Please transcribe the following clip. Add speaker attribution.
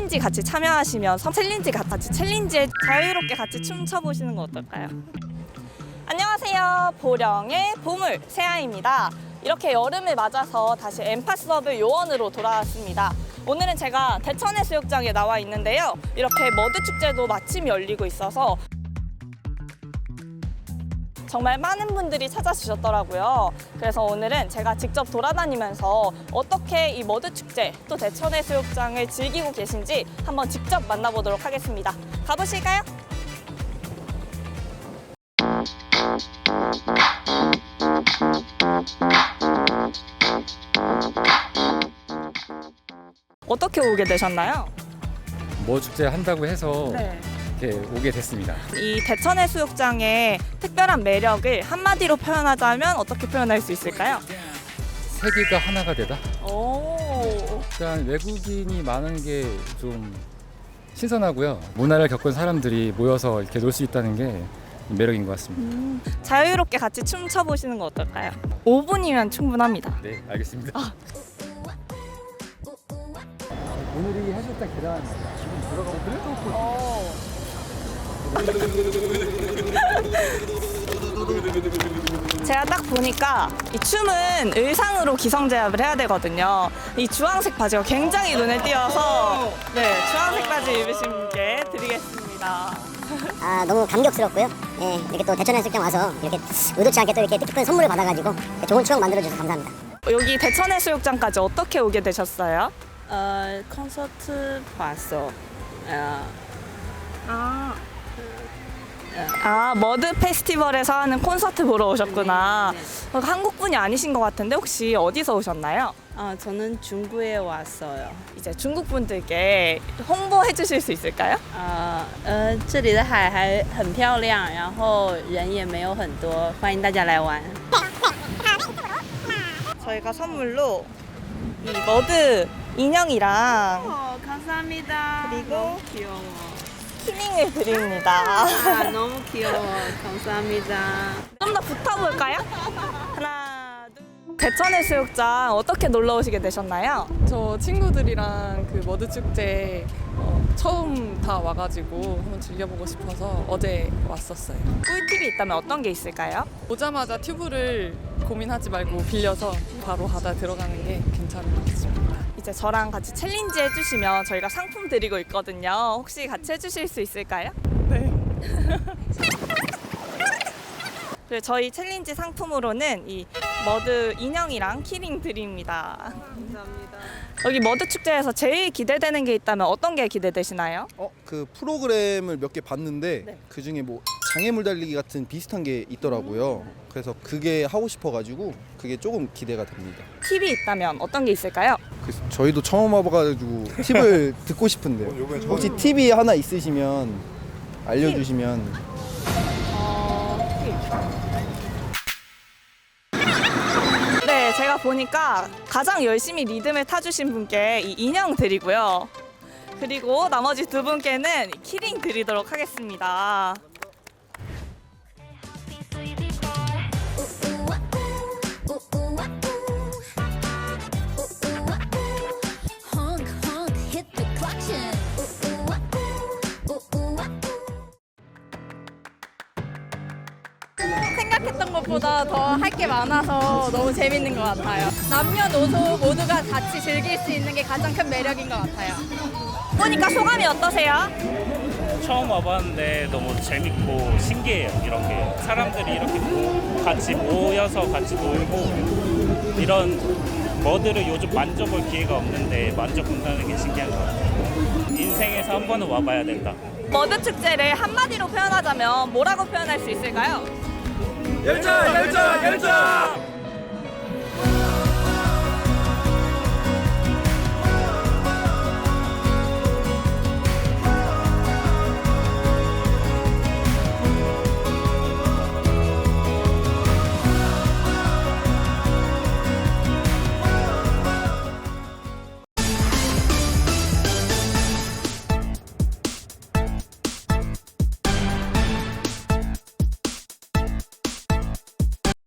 Speaker 1: 챌린지 같이 참여하시면서 챌린지에 자유롭게 같이 춤춰보시는 거 어떨까요? 안녕하세요. 보령의 보물 세아입니다. 이렇게 여름을 맞아서 다시 엠파서블 요원으로 돌아왔습니다. 오늘은 제가 대천해수욕장에 나와 있는데요. 이렇게 머드 축제도 마침 열리고 있어서 정말 많은 분들이 찾아주셨더라고요. 그래서 오늘은 제가 직접 돌아다니면서 어떻게 이 머드 축제 또 대천해수욕장을 즐기고 계신지 한번 직접 만나보도록 하겠습니다. 가보실까요? 어떻게 오게 되셨나요?
Speaker 2: 뭐 축제 한다고 해서
Speaker 1: 네.
Speaker 2: 이렇게 오게 됐습니다.
Speaker 1: 이 대천해수욕장의 특별한 매력을 한마디로 표현하자면 어떻게 표현할 수 있을까요?
Speaker 2: 세계가 하나가 되다.
Speaker 1: 오.
Speaker 2: 일단 외국인이 많은 게 좀 신선하고요. 문화를 겪은 사람들이 모여서 이렇게 놀 수 있다는 게 매력인 것 같습니다.
Speaker 1: 자유롭게 같이 춤춰 보시는 거 어떨까요? 5분이면 충분합니다.
Speaker 2: 네, 알겠습니다. 오늘이 해수욕장 개장합니다. 지금 들어가고
Speaker 1: 제가 딱 보니까 이 춤은 의상으로 기성제압을 해야 되거든요. 이 주황색 바지가 굉장히 눈에 띄어서 네, 주황색 바지 입으신 분께 드리겠습니다.
Speaker 3: 아, 너무 감격스럽고요. 예, 이렇게 또 대천해수욕장 와서 이렇게 의도치 않게 또 이렇게 뜻깊은 선물을 받아가지고 좋은 추억 만들어주셔서 감사합니다.
Speaker 1: 여기 대천해수욕장까지 어떻게 오게 되셨어요?
Speaker 4: 콘서트 봤어.
Speaker 1: 머드 페스티벌에서 하는 콘서트 보러 오셨구나. 한국 분이 아니신 것 같은데 혹시 어디서 오셨나요?
Speaker 4: 저는 중국에 왔어요.
Speaker 1: 이제 중국 분들께 홍보해 주실 수 있을까요?
Speaker 4: 这里的海还很漂亮，然后人也没有很多，欢迎大家来玩。
Speaker 1: 저희가 선물로 이 머드 인형이랑
Speaker 4: 감사합니다.
Speaker 1: 그리고
Speaker 4: 너무 귀여워.
Speaker 1: 키링을 드립니다.
Speaker 4: 너무 귀여워. 감사합니다.
Speaker 1: 좀 더 붙어볼까요? 하나, 둘. 대천해수욕장 어떻게 놀러 오시게 되셨나요?
Speaker 5: 저 친구들이랑 그 머드 축제 처음 다 와가지고 한번 즐겨보고 싶어서 어제 왔었어요.
Speaker 1: 꿀팁이 있다면 어떤 게 있을까요?
Speaker 5: 오자마자 튜브를 고민하지 말고 빌려서 바로 바다 들어가는 게 괜찮은 것 같습니다.
Speaker 1: 이제 저랑 같이 챌린지 해주시면 저희가 상품 드리고 있거든요. 혹시 같이 해주실 수 있을까요?
Speaker 5: 네.
Speaker 1: 그리고 저희 챌린지 상품으로는 이 머드 인형이랑 키링 드립니다.
Speaker 5: 감사합니다.
Speaker 1: 여기 머드 축제에서 제일 기대되는 게 있다면 어떤 게 기대되시나요?
Speaker 6: 그 프로그램을 몇 개 봤는데
Speaker 1: 네.
Speaker 6: 그 중에 뭐 장애물 달리기 같은 비슷한 게 있더라고요. 그래서 그게 하고 싶어가지고 그게 조금 기대가 됩니다.
Speaker 1: 팁이 있다면 어떤 게 있을까요?
Speaker 6: 그래서 저희도 처음 와봐가지고 팁을 듣고 싶은데요. 혹시 팁이 하나 있으시면 알려주시면.
Speaker 1: 네, 제가 보니까 가장 열심히 리듬을 타주신 분께 이 인형 드리고요. 그리고 나머지 두 분께는 키링 드리도록 하겠습니다.
Speaker 7: 생각했던 것보다 더 할 게 많아서 너무 재밌는 것 같아요. 남녀노소 모두가 같이 즐길 수 있는 게 가장 큰 매력인 것 같아요.
Speaker 1: 보니까 소감이 어떠세요?
Speaker 8: 처음 와봤는데 너무 재밌고 신기해요. 이런 게 사람들이 이렇게 같이 모여서 같이 놀고 이런 머드를 요즘 만져볼 기회가 없는데 만져본다는 게 신기한 것 같아요. 인생에서 한 번은 와봐야 된다.
Speaker 1: 머드 축제를 한마디로 표현하자면 뭐라고 표현할 수 있을까요?
Speaker 8: 열정! 열정! 열정!